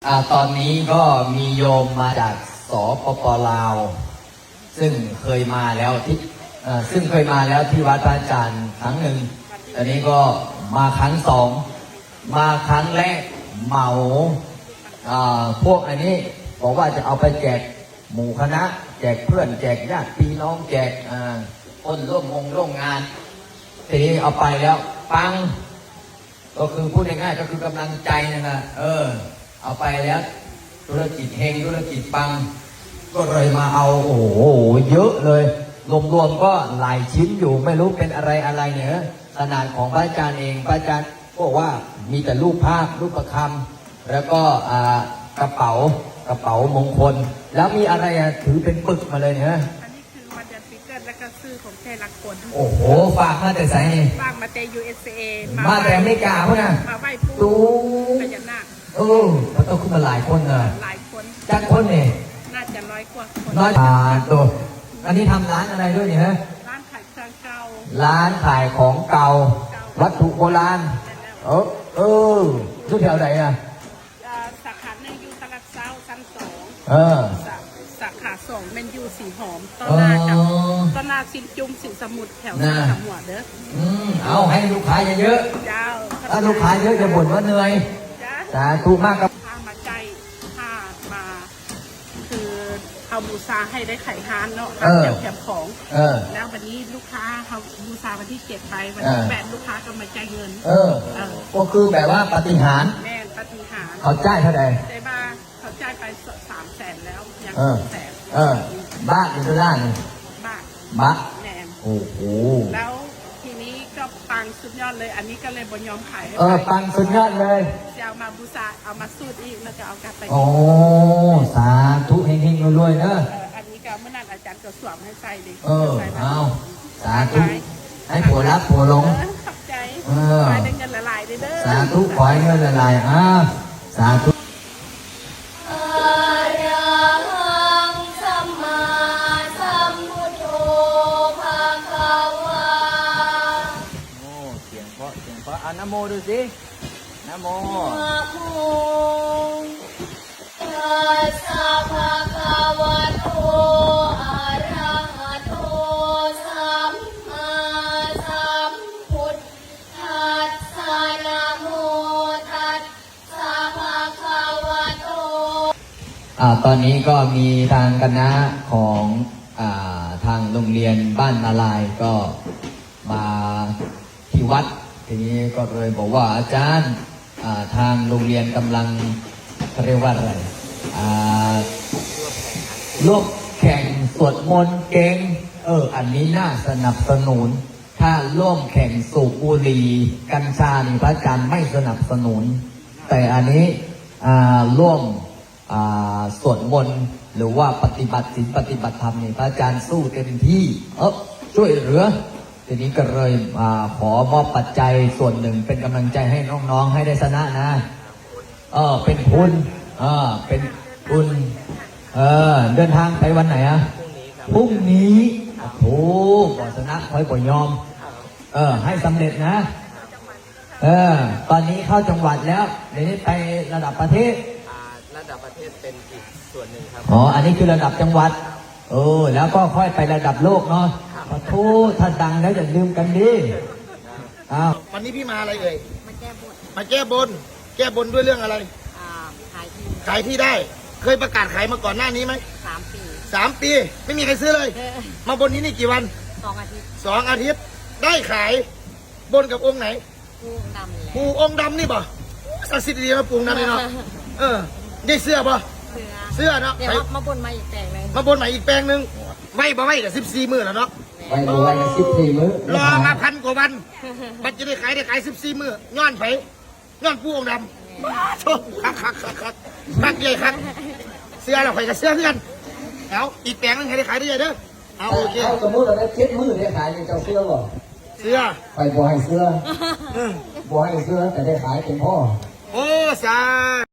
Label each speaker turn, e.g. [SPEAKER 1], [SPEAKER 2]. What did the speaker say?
[SPEAKER 1] ตอนนี้ก็มีโยมมาจากสปป.ลาวซึ่งเคยมาแล้วที่วัดพระอาจารย์ครั้งหนึ่งตอนนี้ก็มาครั้งสองมาครั้งแรกเหมาพวกอันนี้บอกว่าจะเอาไปแจกหมู่คณะแจกเพื่อนแจกญาติพี่น้องแจกคนร่วมงานทีนี้เอาไปแล้วปังก็คือพูดง่ายๆก็คือกำลังใจนะเอาไปแล้วธุรกิจเฮงธุรกิจปังก็เลยมาเอาโอ้โหเยอะเลยรวมๆก็หลายชิ้นอยู่ไม่รู้เป็นอะไรเนี่ยขนาดของพระอาจารย์เองพระอาจารย์บอกว่ามีแต่รูปภาพรูปประคำแล้วก็กระเป๋ามงคลแล้วมีอะไรถือเป็นปึกมาเลยเนี่ย
[SPEAKER 2] อันนี้คือมาจากฟิกเกอร์และก็ซื้อของแท้ลักคน
[SPEAKER 1] โอ้โหฝากมาแต่ไสนี่
[SPEAKER 2] ฝากมาแต่ USA
[SPEAKER 1] มาแต่อเมริกาพวกน่ะ
[SPEAKER 2] มาไหว้ปู่พญานาค
[SPEAKER 1] มันต้องขึ้นมาหลายคน
[SPEAKER 2] หลายคน
[SPEAKER 1] จักคนเนี่ย
[SPEAKER 2] น่าจะ100 กว่าคน
[SPEAKER 1] ตัวอันนี้ทำร้านอะไรด้วยเนี่ยฮะ
[SPEAKER 2] ร้านขายของเก่า
[SPEAKER 1] ร้านขายของเก่าวัตถุโบราณทุกแถวไหน
[SPEAKER 2] สาขาหนึ่งอยู่ตลาดเช้าชั้น2สาขา2เป็นอยู่สีหอมต้นนาสินจุ่มสินสมุทรแถวหน้าสามหัวเด้อ
[SPEAKER 1] เอาให้ลูกค้าเยอะถ้าลูกค้าเยอะจะบ่นว่าเหนื่อยสาธุมากครับ
[SPEAKER 2] ถ้ามาใจถ้ามาคือเอาบูชาให้ได้ไข่ฮานเนาะแถมของแล้ววันนี้ลูกค้าเขาบูชาวันที่7ไปวันที่8ลูกค้าก็มาจ่ายเงิน
[SPEAKER 1] ก็คือแบบว่าปฏิหาร
[SPEAKER 2] แม่ปฏิหาร
[SPEAKER 1] เขาจ่ายเท่าไหร่
[SPEAKER 2] ได้บ้าเขาจ่ายไป300,000แล้วยัง200,000
[SPEAKER 1] บ้าเป็นตัวด้านบ้า
[SPEAKER 2] แม่
[SPEAKER 1] โอ้โห
[SPEAKER 2] แล้วทีนี้ก็ปังสุดยอดเลยอันนี้ก็เลยบนยอมขาย
[SPEAKER 1] ปังสุดยอดเลย
[SPEAKER 2] จะเอามาบูชาเอามาสูตรอีกแล้วจะเอากลับไป
[SPEAKER 1] สาธุเฮงๆรวยๆเนอะ
[SPEAKER 2] อันนี้ก็เมื่อนั้นอาจารย์ก็สวมให้ใส่ดิ
[SPEAKER 1] เอาสาธุให้ผัวรักผัวหลง
[SPEAKER 2] ขอบใจขอให้ได้เงินละลายเด้อ
[SPEAKER 1] สาธุขอให้เงินละลายสาธุนะโมดูสินะโมนะโมตัสสะภะคะวะโตอะระหะโตสัมมาสัมพุทธัสสะนะโมตัสสะภะคะวะโตตอนนี้ก็มีทางคณะของทางโรงเรียนบ้านนาลายก็มาที่วัดทีนี้ก็เลยบอกว่าอาจารย์ทางโรงเรียนกำลังเรียกว่าอะไรร่วมแข่งสวดมนต์เก่งอันนี้น่าสนับสนุนถ้าร่วมแข่งสูบบุหรี่กัญชานี่พระอาจารย์ไม่สนับสนุนแต่อันนี้ร่วมสวดมนต์หรือว่าปฏิบัติศีลปฏิบัติธรรมนี่พระอาจารย์สู้เต็มที่ช่วยเหลือทีนี้ก็เลยขอมอบปัจจัยส่วนหนึ่งเป็นกำลังใจให้น้องๆให้ได้ชนะนะเป็นทุนเป็นทุนเดินทางไปวันไหนพรุ่งนี้โอ้บ่ชนะคอยบ่ยอมให้สำเร็จนะตอนนี้เข้าจังหวัดแล้วเดี๋ยวนี้ไประดับประเทศ
[SPEAKER 3] ระดับประเทศเป็นอีกส่วนหนึ่งครับ
[SPEAKER 1] อันนี้คือระดับจังหวัดแล้วก็ค่อยไประดับโลกเนาะขอโทษถ้าดังแล้วอย่าลืมกันดิ
[SPEAKER 3] วันนี้พี่มาอะไรเอ่ย
[SPEAKER 2] มาแก้บน
[SPEAKER 3] แก้บนด้วยเรื่องอะไรขายที่ได้เคยประกาศขายมาก่อนหน้านี้ไหม3 ปีไม่มีใครซื้อเลยมาบนนี้นี่กี่วัน2 อาทิตย์ได้ขายบนกับองค์ไหนปู่องค์ดำนี่ป่ะศักดิ์สิทธิ์ดีมาปู่องค์ดำนี่เนาะได้เสื้อป่ะเสื้อเนาะ
[SPEAKER 2] เดี๋ยวมาบนมาอีกแปลงนึง
[SPEAKER 3] มาบนใหม่อีกแปลงนึงไม่กับ14 มื้อแล้วเนาะ
[SPEAKER 1] ไม่กับ14 มื้อ
[SPEAKER 3] รอมา1,000 กว่าวันมันจะได้ขาย14 มื้อย้อนปู่องค์ดำโชคคักใหญ่คักเสื้อเราขายกับเสื้อเพื่อนเอาอีกแปลงนึงให้ได้ขายได้เด้อเอาโอเค
[SPEAKER 1] สมมติเราได้7 มื้อได้ขายเป็นเจ้าเสื้อบ่
[SPEAKER 3] เสื้อ
[SPEAKER 1] ไปบ่ให้เสื้อแต่ได้ขายเป็นพ่อ
[SPEAKER 3] โอ้สา